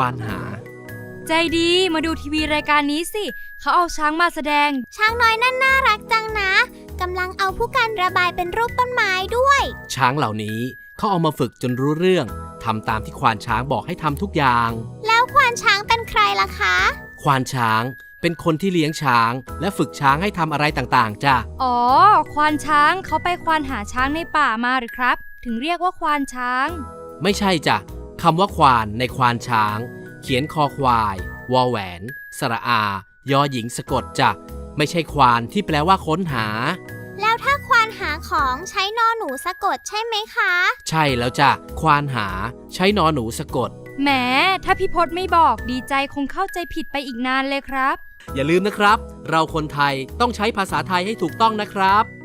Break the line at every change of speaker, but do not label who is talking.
ควานหา
ใจดีมาดูทีวีรายการนี้สิเขาเอาช้างมาแสดง
ช้างน้อยนั่นน่ารักจังนะกำลังเอาผู้กันระบายเป็นรูปต้นไม้ด้วย
ช้างเหล่านี้เขาเอามาฝึกจนรู้เรื่องทำตามที่ควานช้างบอกให้ทำทุกอย่าง
แล้วควานช้างเป็นใครล่ะคะ
ควานช้างเป็นคนที่เลี้ยงช้างและฝึกช้างให้ทำอะไรต่างๆจ้ะ
อ๋อควานช้างเขาไปควานหาช้างในป่ามาหรือครับถึงเรียกว่าควานช้าง
ไม่ใช่จ้ะคำว่าควานในควานช้างเขียนคอควายวอแหวนสระอายอหญิงสะกดจ้ะไม่ใช่ควานที่แปลว่าค้นหา
แล้วถ้าควานหาของใช้นอหนูสะกดใช่ไหมคะ
ใช่แล้วจ้ะควานหาใช้นอหนูสะกด
แหมถ้าพี่พจน์ไม่บอกดีใจคงเข้าใจผิดไปอีกนานเลยครับ
อย่าลืมนะครับเราคนไทยต้องใช้ภาษาไทยให้ถูกต้องนะครับ